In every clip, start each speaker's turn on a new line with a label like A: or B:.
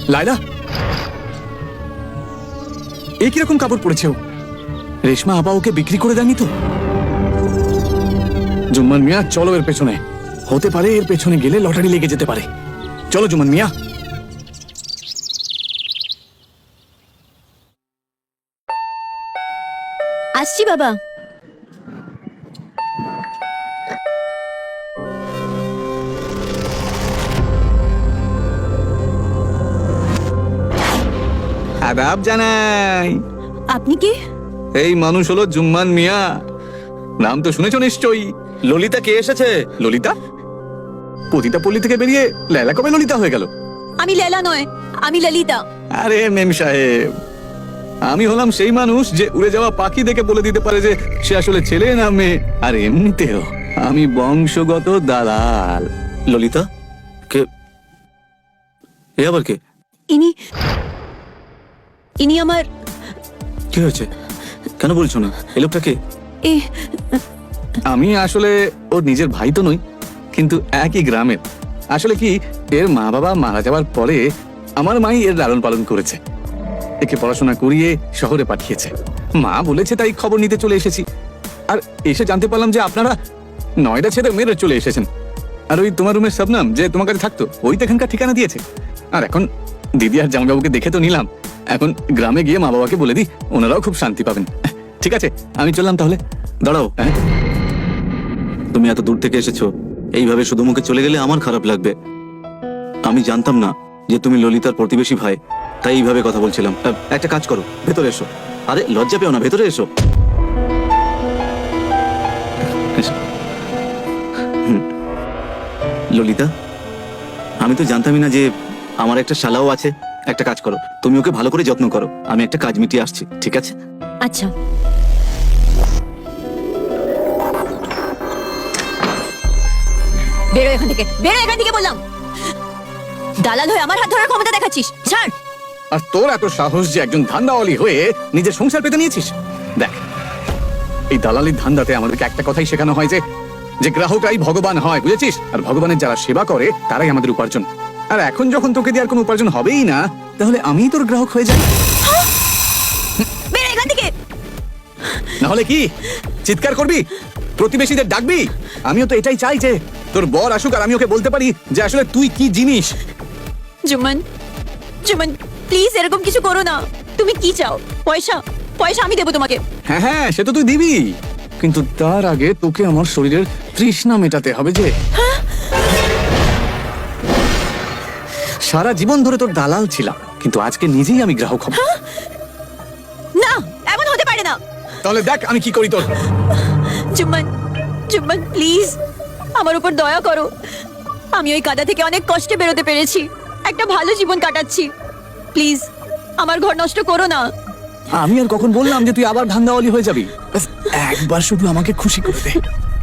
A: লায়লা, এ কিরকম কাপড় পরেছে ও? রেশমা আপা ওকে বিক্রি করে দেয়নি তো? জুম্মান মিয়া, চলো এর পেছনে। হতে পারে এর পেছনে গেলে লটারি লেগে যেতে পারে। চলো জুম্মান মিয়া।
B: আসছি বাবা।
A: আদাব জানাই।
B: আপনি কি?
A: এই মানুষ হলো জুম্মান মিয়া। নাম তো শুনেছো নিশ্চয়ই। ললিতা কে এসেছে? ললিতা? পতিতা পল্লী থেকে বেরিয়ে লায়লা কবে ললিতা হয়ে গেল?
B: আমি লেলা নয়, আমি ললিতা।
A: আরে মেম সাহেব, আমি হলাম সেই মানুষ যে উড়ে যাওয়া পাখি দেখে বলে দিতে পারে যে সে আসলে ছেলে না মেয়ে। আর এমনিতেও আমি বংশগত দালাল।
C: ললিতা কে? এ আবার কে?
B: ইনি ইনি আমার
C: কি হয়েছে? কেন বলছো না? এই লোকটা কে?
B: এ
A: আমি আসলে ওর নিজের ভাই তো নই, কিন্তু একই গ্রামের। আসলে কি, এর মা বাবা মারা যাওয়ার পরে আমার মাই এর লালন পালন করেছে। একে পড়াশোনা করিয়ে শহরে পাঠিয়েছে। মা বলেছে তাই খবর নিতে চলে এসেছি। আর এসে জানতে পারলাম যে আপনারা নয়ডা ছেড়ে মেরে চলে এসেছেন। আর ওই তোমার রুমের শবনম যে তোমার কাছে থাকতো, ওই তো এখানকার ঠিকানা দিয়েছে। আর এখন দিদি আর জামাইবাবুকে দেখে তো নিলাম, এখন গ্রামে গিয়ে মা বাবাকে বলে দিই, ওনারাও খুব শান্তি পাবেন। ঠিক আছে, আমি চললাম তাহলে।
C: দাঁড়াও,
A: হ্যাঁ?
C: তুমি এত দূর থেকে এসেছো, এইভাবে শুধু মুখে চলে গেলে আমার খারাপ লাগবে। আমি জানতাম না যে তুমি ললিতার প্রতিবেশী ভাই, তাই এইভাবে কথা বলছিলাম। একটা কাজ করো, ভেতরে এসো। আরে লজ্জা পেও না, ভেতরে এসো। ললিতা, আমি তো জানতামই না যে আমার একটা শালাও আছে। একটা কাজ করো, তুমি ওকে ভালো করে যত্ন করো। আমি একটা কাজ মিটিয়ে আসছি, ঠিক আছে?
B: আচ্ছা। বেরো এখান থেকে, বেরো এখান থেকে বললাম। দালাল হয়ে আমার হাত ধরার ক্ষমতা দেখাচ্ছিস? ছাড়।
A: আর তোর এত সাহস যে একজন ধান্দাওয়ালি হয়ে নিজের সংসার পেতে নিয়েছিস? দেখ, এই দালালির ধান্দাতে আমাদেরকে একটা কথাই শেখানো হয় যে গ্রাহকরাই ভগবান হয়, বুঝেছিস? আর ভগবানের যারা সেবা করে তারাই আমাদের উপার্জন। আর এখন যখন তোকে দিয়ে আর কোনো উপার্জন হবেই না, তাহলে আমিই তোর গ্রাহক হয়ে যাই।
B: বেরো এখান থেকে।
A: নাহলে কি চিৎকার করবি, প্রতিবেশীদের ডাকবি? আমিও তো এটাই চাই যে তোর বর আসুক আর আমি ওকে বলতে পারি যে আসলে তুই কি জিনিস।
B: জুম্মান, জুম্মান প্লিজ এরকম কিছু করো না। তুমি কি চাও? পয়সা? পয়সা আমি দেবো তোমাকে।
A: হ্যাঁ হ্যাঁ, সে তো তুই দিবি, কিন্তু তার আগে তোকে আমার শরীরের তৃষ্ণা মেটাতে হবে। যে সারা জীবন ধরে তোর দালাল ছিলাম, কিন্তু আজকে নিজেই আমি গ্রাহক হব।
B: না, এমন হতে পারে না।
A: তাহলে দেখ আমি কি করি তোর।
B: জুম্মান, জুম্মান প্লিজ আমার উপর দয়া করো। আমি ওই কাদা থেকে অনেক কষ্টে বেরোতে পেরেছি, একটা ভালো জীবন কাটাচ্ছি। প্লিজ আমার ঘর নষ্ট করো না।
A: আমি আর কখন বললাম যে তুই আবার ধান্দাওয়ালি হয়ে যাবি? ব্যাস একবার শুধু আমাকে খুশি করে দে।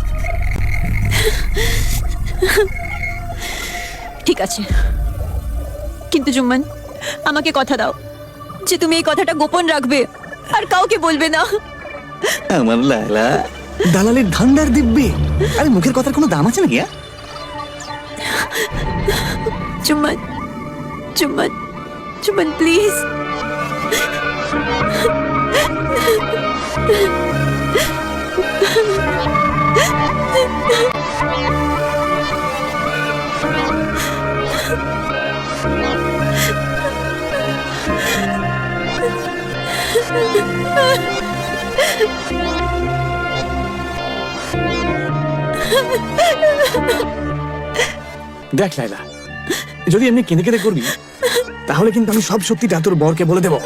B: ঠিক আছে, কিন্তু জুম্মান আমাকে কথা দাও যে তুমি এই কথাটা গোপন রাখবে আর কাউকে বলবে না।
A: আমার লায়লা দালালের ধান্দার দিব্যি। আরে মুখের কথার কোনো দাম আছে নাকি?
B: জুম্মান, জুম্মান, জুম্মান প্লিজ।
A: দেখ লায়লা, যদি এমনি কেঁদে কেঁদে করবি তাহলে কিন্তু আমি সব সত্যিটা তোর বরকে বলে দেব।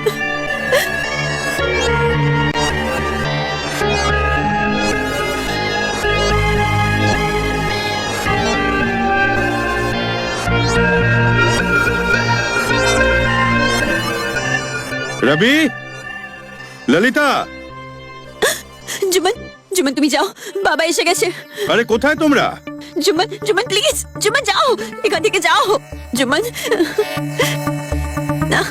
D: রবি, ললিতা,
B: জুম্মান, জুম্মান তুমি যাও, বাবা এসে গেছে।
D: আরে কোথায় তোমরা?
B: জুম্মান, জুম্মান প্লিজ, জুম্মান যাও, এখান থেকে যাও। জুম্মান না।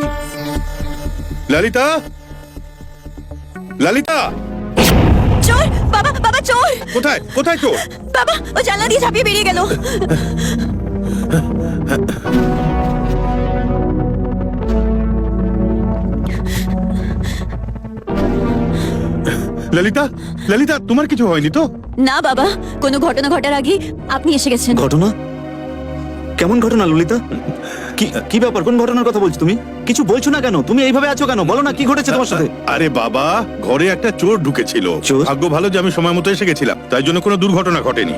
D: ললিতা, ললিতা,
B: চোর! বাবা, বাবা চোর!
D: কোথায় কোথায় চোর?
B: বাবা ও জানলা দিয়ে ঝাঁপিয়ে বেরিয়ে গেল।
D: ললিতা, ললিতা, তোমার কিছু হয়নি তো?
B: না বাবা, কোনো ঘটনা ঘটার আগে আপনি এসে গেছেন।
C: ঘটনা? কেমন ঘটনা ললিতা? কি কি ব্যাপার? কোন ঘটনার কথা বলছো তুমি? কিছু বলছো না কেন? তুমি এইভাবে আছো কেন? বলো না কি ঘটেছে তোমার সাথে?
D: আরে বাবা, ঘরে একটা চোর ঢুকেছিল।
C: চোর?
D: ভাগ্য ভালো যে আমি সময় মতো এসে গেছিলাম, তাই জন্য কোনো দুর্ঘটনা ঘটেনি।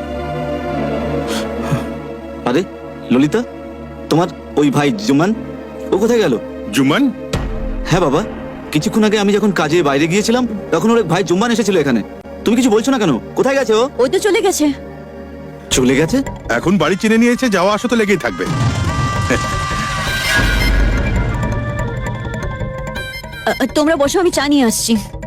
C: আরে ললিতা, তোমার ওই ভাই জুমান, ও কোথায় গেল?
D: জুমান?
C: হ্যাঁ বাবা, কিছুক্ষণ আগে আমি যখন কাজে বাইরে গিয়েছিলাম তখন ওর এক ভাই জুম্মান এসেছিল এখানে। তুমি কিছু বলছো না কেন? কোথায় গেছে ও?
B: ও তো চলে গেছে।
C: চলে গেছে?
D: এখন বাড়ি চিনে নিয়েছে, যাওয়া আসা তো লেগেই থাকবে।
B: তোমরা বসো, আমি চা নিয়ে আসছি।